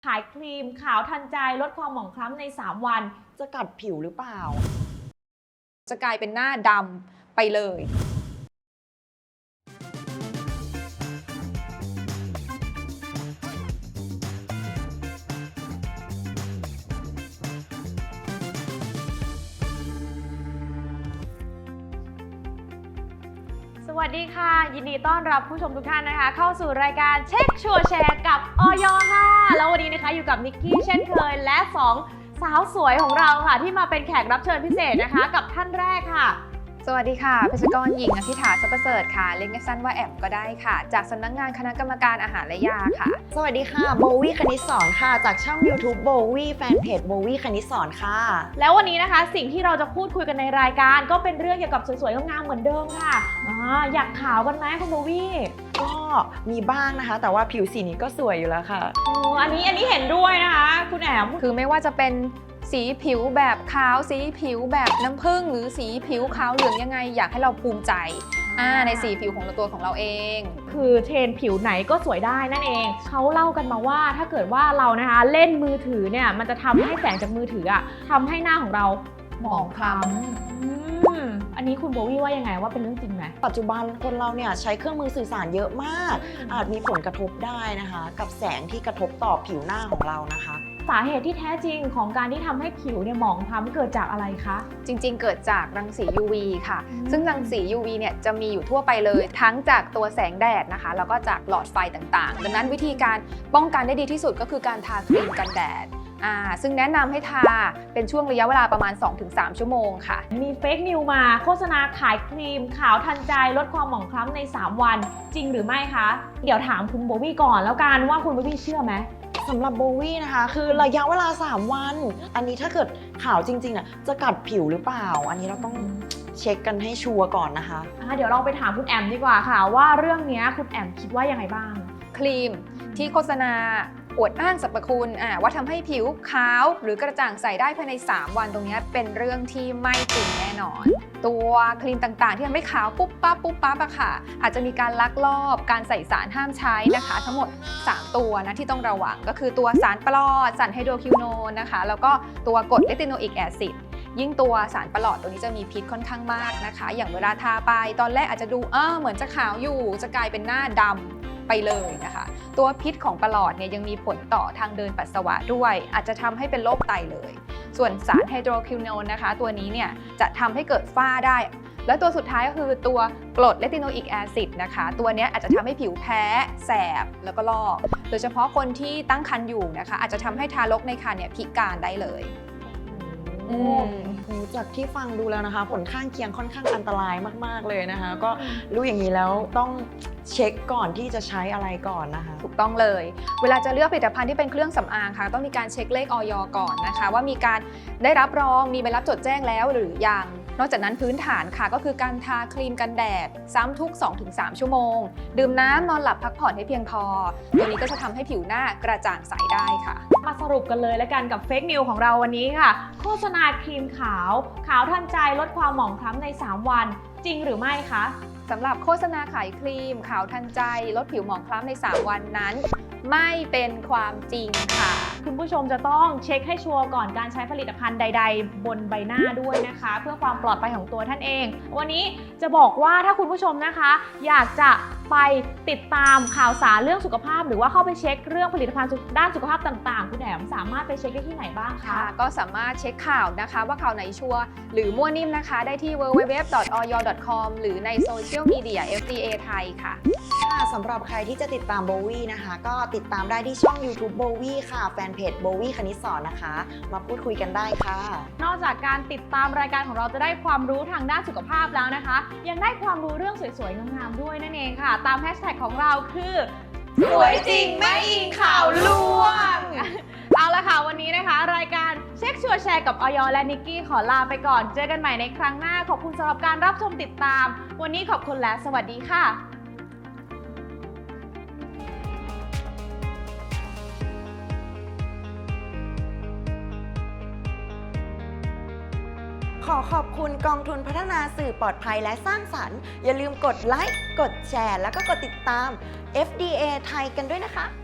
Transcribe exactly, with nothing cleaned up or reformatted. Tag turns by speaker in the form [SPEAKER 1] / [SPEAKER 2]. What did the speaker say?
[SPEAKER 1] ขายครีมขาวทันใจลดความหมองคล้ำในสามวันจะกัดผิวหรือเปล่า
[SPEAKER 2] จะกลายเป็นหน้าดำไปเลย
[SPEAKER 1] สวัสดีค่ะยินดีต้อนรับผู้ชมทุกท่านนะคะเข้าสู่รายการเช็คชัวร์แชร์กับออยค่ะแล้ววันนี้นะคะอยู่กับนิกกี้เช่นเคยและสองสาวสวยของเราค่ะที่มาเป็นแขกรับเชิญพิเศษนะคะกับท่านแรกค่ะ
[SPEAKER 2] สวัสดีค่ะเภสัชกรหญิงอภิธาทรัพย์ประเสริฐค่ะเรียกสั้นว่าแอมก็ได้ค่ะจากสำนักงานคณะกรรมการอาหารและยาค่ะ
[SPEAKER 3] สวัสดีค่ะโบวี่คณิตสอนค่ะจากช่อง YouTube โบวี่แฟนเพจโบวี่คณิตสอนค่ะ
[SPEAKER 1] แล้ววันนี้นะคะสิ่งที่เราจะพูดคุยกันในรายการก็เป็นเรื่องเกี่ยวกับสวยๆงามๆเหมือนเดิมค่ะอ่าอยากขาวกันไหมคุณโบวี่
[SPEAKER 3] ก็มีบ้างนะคะแต่ว่าผิวสีนี้ก็สวยอยู่แล้วค่ะ
[SPEAKER 1] อ๋ออันนี้อันนี้เห็นด้วยนะคะคุณแอม
[SPEAKER 2] คือไม่ว่าจะเป็นสีผิวแบบขาวสีผิวแบบน้ำผึ้งหรือสีผิวขาวเหลืองยังไงอยากให้เราภูมิใจในสีผิวของตัวของเราเอง
[SPEAKER 1] คือเทรนผิวไหนก็สวยได้นั่นเองเขาเล่ากันมาว่าถ้าเกิดว่าเรานะคะเล่นมือถือเนี่ยมันจะทำให้แสงจากมือถืออะทำให้หน้าของเราหมองคล้ำอันนี้คุณโบวี่ว่ายังไงว่าเป็นเรื่องจริงไหม
[SPEAKER 3] ปัจจุบันคนเราเนี่ยใช้เครื่องมือสื่อสารเยอะมากอาจมีผลกระทบได้นะคะกับแสงที่กระทบต่อผิวหน้าของเรานะคะ
[SPEAKER 1] สาเหตุที่แท้จริงของการที่ทำให้ผิวเนี่ยหมองคล้ำเกิดจากอะไรคะ
[SPEAKER 2] จริงๆเกิดจากรังสี ยู วี ค่ะซึ่งรังสี ยู วี เนี่ยจะมีอยู่ทั่วไปเลยทั้งจากตัวแสงแดดนะคะแล้วก็จากหลอดไฟต่างๆดังนั้นวิธีการป้องกันได้ดีที่สุดก็คือการทาครีมกันแดดอ่าซึ่งแนะนำให้ทาเป็นช่วงระยะเวลาประมาณ สองถึงสาม ชั่วโมงค่ะ
[SPEAKER 1] มีเฟกนิวมาโฆษณาขายครีมขาวทันใจลดความหมองคล้ำในสามวันจริงหรือไม่คะเดี๋ยวถามคุณโบวี่ก่อนแล้วกันว่าคุณโบวี่เชื่อไหม
[SPEAKER 3] สำหรับโบวี่นะคะคือระยะเวลาสามวันอันนี้ถ้าเกิดขาวจริงๆน่ะจะกัดผิวหรือเปล่าอันนี้เราต้องเช็คกันให้ชัวร์ก่อนนะคะ
[SPEAKER 1] ะเดี๋ยวเราไปถามคุณแอมดีกว่าค่ะว่าเรื่องนี้คุณแอมคิดว่ายังไงบ้าง
[SPEAKER 2] ครีมที่โฆษณาอวดอ้างสรรพคุณว่าทำให้ผิวขาวหรือกระจ่างใสได้ภายในสามวันตรงนี้เป็นเรื่องที่ไม่จริงแน่นอนตัวครีมต่างๆที่ทำให้ขาวปุ๊บปั๊บปุ๊บปั๊บอะค่ะอาจจะมีการลักลอบการใส่สารห้ามใช้นะคะทั้งหมดสามตัวนะที่ต้องระวังก็คือตัวสารปลอดสารไฮโดรคิวโนนนะคะแล้วก็ตัวกรดเลติโนอิกแอซิดยิ่งตัวสารปลอดตัวนี้จะมีพิษค่อนข้างมากนะคะอย่างเวลาทาไปตอนแรกอาจจะดูเออเหมือนจะขาวอยู่จะกลายเป็นหน้าดำไปเลยนะคะตัวพิษของปลอดเนี่ยยังมีผลต่อทางเดินปัสสาวะด้วยอาจจะทำให้เป็นโรคไตเลยส่วนสารไฮโดรคิวโนนนะคะตัวนี้เนี่ยจะทำให้เกิดฝ้าได้แล้วตัวสุดท้ายก็คือตัวกรดเลติโนอิกแอซิดนะคะตัวนี้อาจจะทำให้ผิวแพ้แสบแล้วก็ลอกโดยเฉพาะคนที่ตั้งครรภ์อยู่นะคะอาจจะทำให้ทารกในครรภ์เนี่ยพิการได้เลย
[SPEAKER 3] จากที่ฟังดูแล้วนะคะผลข้างเคียงค่อนข้างอันตรายมากๆเลยนะคะก็รู้อย่างนี้แล้วต้องเช็คก่อนที่จะใช้อะไรก่อนนะคะ
[SPEAKER 2] ถูกต้องเลยเวลาจะเลือกผลิตภัณฑ์ที่เป็นเครื่องสำอางค่ะต้องมีการเช็คเลขอย.ก่อนนะคะว่ามีการได้รับรองมีใบรับจดแจ้งแล้วหรือยังนอกจากนั้นพื้นฐานค่ะก็คือการทาครีมกันแดดซ้ำทุก สองถึงสาม ชั่วโมงดื่มน้ำนอนหลับพักผ่อนให้เพียงพอตัวนี้ก็จะทำให้ผิวหน้ากระจ่างใสได้ค่ะ
[SPEAKER 1] มาสรุปกันเลยแล้วกันกับเฟกนิวของเราวันนี้ค่ะโฆษณาครีมขาวขาวทันใจลดความหมองคล้ำในสามวันจริงหรือไม่คะ
[SPEAKER 2] สำหรับโฆษณาขายครีมขาวทันใจลดผิวหมองคล้ำในสามวันนั้นไม่เป็นความจริงค่ะ
[SPEAKER 1] คุณผู้ชมจะต้องเช็คให้ชัวร์ก่อนการใช้ผลิตภัณฑ์ใดๆบนใบหน้าด้วยนะคะเพื่อความปลอดภัยของตัวท่านเองวันนี้จะบอกว่าถ้าคุณผู้ชมนะคะอยากจะไปติดตามข่าวสารเรื่องสุขภาพหรือว่าเข้าไปเช็คเรื่องผลิตภัณฑ์ด้านสุขภาพต่างๆคุณแอมสามารถไปเช็คได้ที่ไหนบ้างคะ
[SPEAKER 2] ก็สามารถเช็คข่าวนะคะว่าข่าวไหนชัวร์หรือมั่วนิ่มนะคะได้ที่ ดับเบิลยู ดับเบิลยู ดับเบิลยู ดอท ออย ดอท คอม หรือในโซเชียลมีเดีย เอฟ ดี เอ ไทยค่ะ
[SPEAKER 3] สำหรับใครที่จะติดตามโบวี่นะคะก็ติดตามได้ที่ช่อง YouTube โบวี่ค่ะแฟนเพจโบวี่คณิตสอนนะคะมาพูดคุยกันได้ค่ะ
[SPEAKER 1] นอกจากการติดตามรายการของเราจะได้ความรู้ทางด้านสุขภาพแล้วนะคะยังได้ความรู้เรื่องสวยๆงามๆด้วยนั่นเองค่ะตามแฮชแท็กของเราคือ
[SPEAKER 3] สวยจริงไม่อิงข่าวลวง
[SPEAKER 1] เอาละค่ะวันนี้นะคะรายการเช็คชัวร์แชร์กับออยและนิกกี้ขอลาไปก่อนเจอกันใหม่ในครั้งหน้าขอบคุณสำหรับการรับชมติดตามวันนี้ขอบคุณและสวัสดีค่ะ
[SPEAKER 3] ขอขอบคุณกองทุนพัฒนาสื่อปลอดภัยและสร้างสรรค์อย่าลืมกดไลค์กดแชร์แล้วก็กดติดตาม เอฟ ดี เอ ไทยกันด้วยนะคะ